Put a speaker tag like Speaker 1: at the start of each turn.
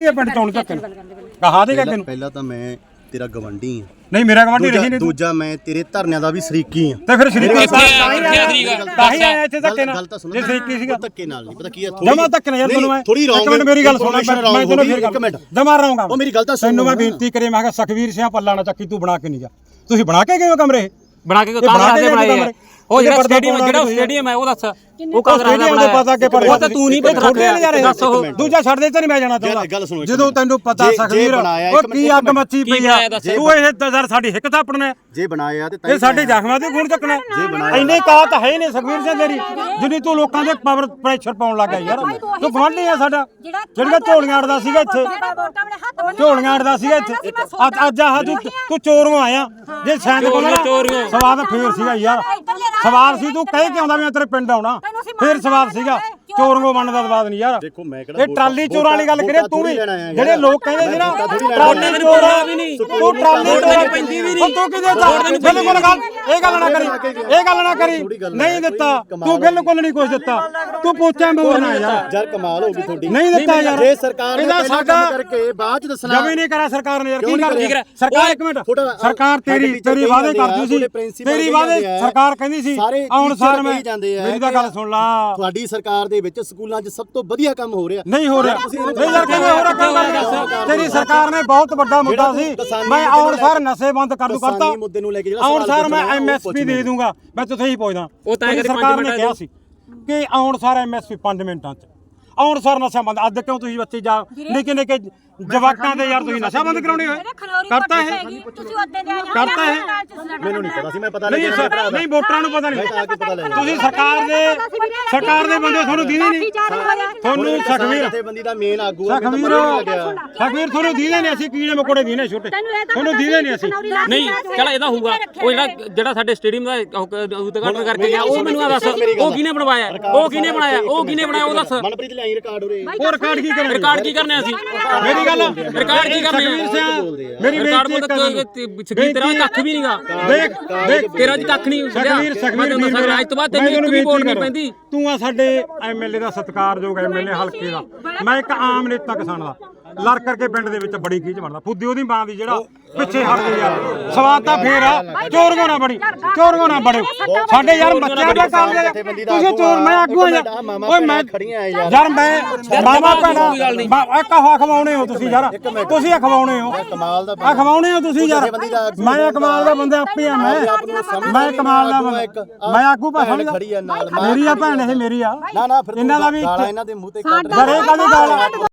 Speaker 1: ਇਹ ਪਿੰਡ ਚੋਣ ਧੱਕੇ ਕਹਾ ਦੇਗਾ ਤੈਨੂੰ
Speaker 2: ਪਹਿਲਾਂ ਤਾਂ ਮੈਂ ਤੇਰਾ ਗਵੰਡੀ ਆ
Speaker 1: ਨਹੀਂ ਮੇਰਾ ਗਵਾਂਢੀ ਰਹੀ ਨਹੀਂ
Speaker 2: ਦੂਜਾ ਮੈਂ ਤੇਰੇ ਧਰਨਿਆਂ ਦਾ ਵੀ ਸ਼ਰੀਕੀ ਆ
Speaker 1: ਤੇ ਫਿਰ ਸ਼ਰੀਕੀ ਤਾਂ ਹੀ ਆਇਆ ਇੱਥੇ ਧੱਕੇ ਨਾਲ ਜੇ ਸ਼ਰੀਕੀ ਸੀਗਾ
Speaker 2: ਧੱਕੇ ਨਾਲ ਨਹੀਂ ਪਤਾ ਕੀ ਆ
Speaker 1: ਜਮਾ ਧੱਕੇ ਨਾਲ ਯਾਰ ਤੈਨੂੰ ਮੈਂ
Speaker 2: ਥੋੜੀ ਰੌਂਗ
Speaker 1: ਇੱਕ ਮਿੰਟ ਮੇਰੀ ਗੱਲ ਸੁਣ ਮੈਂ ਤੈਨੂੰ ਫਿਰ
Speaker 2: ਇੱਕ ਮਿੰਟ
Speaker 1: ਜਮਾ ਰਹਾਂਗਾ
Speaker 2: ਉਹ ਮੇਰੀ ਗੱਲ ਤਾਂ ਸੁਣ
Speaker 1: ਤੈਨੂੰ ਮੈਂ ਬੇਨਤੀ ਕਰੇ ਮੈਂ ਕਿਹਾ ਸਖਵੀਰ ਸਿੰਘ ਪੱਲਾ ਨਾ ਚੱਕੀ ਤੂੰ ਬਣਾ ਕੇ ਨਹੀਂ ਜਾ ਤੁਸੀਂ ਬਣਾ ਕੇ ਗਏ ਹੋ ਕਮਰੇ
Speaker 3: ਬਣਾ ਕੇ ਕਾਂਗਰਸ ਦੇ ਬਣਾਏ ਉਹ ਜਿਹੜਾ ਸਟੇਡੀਅਮ ਹੈ ਉਹ ਦੱਸ ਉਹ ਕਾਂਗਰਸ ਦਾ
Speaker 1: ਬਣਾਇਆ ਪਤਾ ਕਿ
Speaker 3: ਉਹ ਤਾਂ ਤੂੰ ਨਹੀਂ ਪਤਾ ਰੱਖਿਆ ਦੱਸ ਉਹ
Speaker 1: ਦੂਜਾ ਛੱਡ ਦੇ ਤੇ ਨਹੀਂ ਮੈਂ ਜਾਣਾ ਚਾਹੁੰਦਾ ਜਦੋਂ ਤੈਨੂੰ ਪਤਾ ਸਖਵੀਰ ਉਹ ਕੀ ਅੱਗ ਮੱਚੀ ਪਈ ਆ ਤੂੰ ਇਹ ਦਜ਼ਰ ਸਾਡੀ ਹਿੱਕ ਥਾਪਣਾ
Speaker 2: ਜੇ ਬਣਾਇਆ ਤੇ
Speaker 1: ਇਹ ਸਾਡੇ ਜ਼ਖਮਾਂ ਦੇ ਗੁਣ ਚੱਕਣਾ ਇੰਨੇ ਕਾਤ ਹੈ ਨਹੀਂ ਸਖਵੀਰ ਸਿੰਘ ਤੇਰੀ ਜਿੰਨੀ ਤੂੰ ਲੋਕਾਂ ਦੇ ਪਾਵਰ ਪ੍ਰੈਸ਼ਰ ਪਾਉਣ ਲੱਗਾ ਯਾਰ ਤੂੰ ਗਵਾਂਢੀ ਆ ਸਾਡਾ ਜਿਹੜੀਆਂ ਝੋਲੀਆਂ ਅੜਦਾ ਸੀਗਾ ਇੱਥੇ ਝੋਲੀਆਂ ਅੜਦਾ ਸੀਗਾ ਇੱਥੇ ਅੱਜ ਆਹ ਤੂੰ ਚੋਰੋਂ ਆਇਆ ਜੇ ਸੈਂਦ ਕੋਲ ਸਵਾਦ ਫੇਰ ਸੀਗਾ ਯਾਰ ਸਵਾਦ ਸੀ ਤੂੰ ਕਹਿ ਕੇ ਆਉਂਦਾ ਮੈਂ ਤੇਰੇ ਪਿੰਡ ਆਉਣਾ ਫੇਰ ਸਵਾਦ ਸੀਗਾ ਚੋਰੋਂ ਬਣਨ ਦਾ ਸਵਾਦ ਨਹੀਂ ਯਾਰ
Speaker 2: ਦੇਖੋ ਮੈਂ ਕਿਹੜਾ
Speaker 1: ਇਹ ਟਰਾਲੀ ਚੋਰਾਂ ਵਾਲੀ ਗੱਲ ਕਰੇ ਤੂੰ ਵੀ ਜਿਹੜੇ ਲੋਕ ਕਹਿੰਦੇ ਸੀ ਨਾ ਟਰਾਲੀ ਚੋਰਾਂ ਵੀ ਨਹੀਂ ਤੂੰ ਟਰਾਲੀ ਚੋਰਾਂ ਪੈਂਦੀ ਵੀ ਨਹੀਂ ਤੂੰ ਕਿਹਦੇ ਦਾ ਬਿਲਕੁਲ ਗੱਲ ਇਹ ਗੱਲ ਨਾ ਕਰੀ ਨਹੀਂ ਦਿੱਤਾ ਤੂੰ ਬਿਲਕੁਲ ਨਹੀਂ ਕੁਝ ਦਿੱਤਾ ਤੂੰ ਪੋਚਾ ਮੋਰਨਾ
Speaker 2: ਯਾਰ ਕਮਾਲ ਹੋ ਗਈ ਤੁਹਾਡੀ
Speaker 1: ਨਹੀਂ ਦਿੱਤਾ ਯਾਰ
Speaker 2: ਜੇ ਸਰਕਾਰ ਨੇ
Speaker 1: ਇਹਦਾ ਸਾਡਾ
Speaker 2: ਕਰਕੇ ਬਾਅਦ ਚ ਦੱਸਣਾ
Speaker 1: ਜਮੀ ਨਹੀਂ ਕਰਾ ਸਰਕਾਰ ਨੇ ਯਾਰ ਕੀ ਕਰ ਸਰਕਾਰ ਇੱਕ ਮਿੰਟ ਸਰਕਾਰ ਤੇਰੀ ਵਾਅਦੇ ਕਰਦੀ ਸੀ ਤੇਰੀ ਵਾਅਦੇ ਸਰਕਾਰ ਕਹਿੰਦੀ ਸੀ ਆਉਣ ਸਾਰ ਮੈਂ ਮੇਰੀ ਤਾਂ ਗੱਲ ਸੁਣ ਲਾ
Speaker 2: ਤੁਹਾਡੀ ਸਰਕਾਰ ਦੇ ਵਿੱਚ ਸਕੂਲਾਂ 'ਚ ਸਭ ਤੋਂ ਵਧੀਆ ਕੰਮ ਹੋ ਰਿਹਾ
Speaker 1: ਨਹੀਂ ਹੋ ਰਿਹਾ ਨਹੀਂ ਯਾਰ ਕਿਵੇਂ ਹੋ ਰਿਹਾ ਕੰਮ ਤੇਰੀ ਸਰਕਾਰ ਨੇ ਬਹੁਤ ਵੱਡਾ ਮੁੱਦਾ ਸੀ ਮੈਂ ਆਉਣ ਸਾਰ ਨਸ਼ੇ ਬੰਦ ਕਰ ਦੂ ਕਰਤਾ
Speaker 2: ਮੁੱਦੇ ਨੂੰ ਲੈ ਕੇ ਜਿਹੜਾ
Speaker 1: ਆਉਣ ਸਾਰ ਮੈਂ ਐਮਐਸਪੀ ਦੇ ਦੂੰਗਾ ਮੈਂ ਤੁਥੇ ਹੀ ਪੁੱਛਦਾ ਤੇਰੀ ਸਰਕਾਰ ਨੇ ਕਿਹਾ ਸੀ ਕਿ ਆਉਣ ਸਾਰ ਐਮਐਸਪੀ 5 ਮਿੰਟਾਂ 'ਚ ਆਉਣ ਸਾਰ ਨਸ਼ਾ ਬੰਦ ਅੱਜ ਕਿਉਂ ਤੁਸੀਂ ਬੱਚੇ ਜਾ ਨਿੱਕੇ ਜਵਾਕਾਂ ਦੇ ਯਾਰ ਤੁਸੀਂ ਨਸ਼ਾ ਬੰਦ ਕਰਾਉਣੇ ਹੋਏ ਕਰਤਾ ਹੈ ਕਰਤਾ ਹੈ
Speaker 2: ਮੈਨੂੰ ਨਹੀਂ ਪਤਾ ਸੀ ਮੈਂ ਪਤਾ
Speaker 1: ਨਹੀਂ ਵੋਟਰਾਂ ਨੂੰ ਪਤਾ ਨਹੀਂ ਤੁਸੀਂ ਸਰਕਾਰ ਦੇ ਬੰਦੇ ਤੁਹਾਨੂੰ ਦੀਦੇ ਨਹੀਂ ਤੁਹਾਨੂੰ ਸਖਵੀਰ
Speaker 2: ਬੰਦੀ ਦਾ ਮੇਨ ਆਗੂ ਆ
Speaker 1: ਸਖਵੀਰ ਤੁਹਾਨੂੰ ਦੀਦੇ ਨਹੀਂ ਅਸੀਂ ਕੀੜੇ ਮਕੋੜੇ ਦੀਨੇ ਛੋਟੇ ਤੁਹਾਨੂੰ ਦੀਦੇ ਨਹੀਂ ਅਸੀਂ
Speaker 3: ਨਹੀਂ ਚਲ ਇਹਦਾ ਹੋਊਗਾ ਉਹ ਜਿਹੜਾ ਸਾਡੇ ਸਟੇਡੀਅਮ ਦਾ ਉਦਘਾਟਨ ਕਰਕੇ ਗਿਆ ਉਹ ਮੈਨੂੰ ਦੱਸ ਉਹ ਕਿਹਨੇ ਬਣਵਾਇਆ ਉਹ ਕਿਹਨੇ ਬਣਾਇਆ ਉਹ ਦੱਸ
Speaker 2: ਮਨਪ੍ਰੀਤ ਲਿਆਈ ਰਿਕਾਰਡ ਉਰੇ
Speaker 1: ਉਹ ਰਿਕਾਰਡ ਕੀ ਕਰਨਾ ਅਸੀਂ ਮੇਰੀ ਗੱਲ
Speaker 3: ਰਿਕਾਰਡ ਕੀ ਕਰਨੇ
Speaker 1: ਮੇਰੀ
Speaker 3: ਬੇਇੱਜ਼ਤੀ ਤੇਰਾ ਕੱਖ ਵੀ ਨਹੀਂਗਾ ਦੇਖ ਤੇਰਾ ਜੀ ਕੱਖ ਨਹੀਂ
Speaker 1: ਸਖਵੀਰ
Speaker 3: ਅੱਜ ਤੋਂ ਬਾਅਦ ਤੈਨੂੰ ਇੱਕ ਵੀ ਵੋਟ ਨਹੀਂ ਪੈਂਦੀ
Speaker 1: ਤੂੰ ਆ ਸਾਡੇ ਐਮਐਲਏ ਦਾ ਸਤਿਕਾਰਯੋਗ ਐਮਐਲਏ ਹਲਕੇ ਦਾ ਮੈਂ ਇੱਕ ਆਮ ਨੇਤਾ ਕਿਸਾਨ ਦਾ ਲੜ ਕਰਕੇ ਪਿੰਡ ਦੇ ਵਿੱਚ ਬੜੀ ਖੀਚ ਬਣਦਾ ਫੁੱਦੀ ਉਹਦੀ ਮਾਂ ਦੀ ਜਿਹੜਾ ਪਿੱਛੇ ਹਟ ਗਿਆ ਯਾਰ ਸਵਾਦ ਤਾਂ ਫੇਰ ਆ ਚੋਰਗੋ ਨਾ ਬੜੇ ਸਾਡੇ ਯਾਰ ਬੱਚਿਆਂ ਦਾ ਕੰਮ ਤੁਸੀਂ ਚੋਰ ਮੈਂ ਆਗੂ ਆ ਓਏ ਮੈਂ ਯਾਰ ਮੈਂ ਮਾਮਾ ਭੈਣਾ ਇੱਕ ਖਵਾਉਣੇ ਹੋ ਤੁਸੀਂ ਯਾਰ ਤੁਸੀਂ ਖਵਾਉਣੇ ਹੋ
Speaker 2: ਕਮਾਲ ਦਾ
Speaker 1: ਖਵਾਉਣੇ ਹੋ ਤੁਸੀਂ ਯਾਰ ਮੈਂ ਕਮਾਲ ਦਾ ਬੰਦਾ ਆਪੇ ਆ ਮੈਂ ਕਮਾਲ ਦਾ ਬੰਦਾ ਮੈਂ ਆਗੂ ਭਾਵੇਂ ਮੇਰੀ ਆ ਭੈਣ ਇਹ ਮੇਰੀ ਆ
Speaker 2: ਨਾ ਫਿਰ
Speaker 1: ਇਹਨਾਂ ਦਾ ਵੀ
Speaker 2: ਇਹਨਾਂ ਦੇ ਮੂੰਹ ਤੇ
Speaker 1: ਘਰੇ ਕਾਹਦੀ ਗਾਲ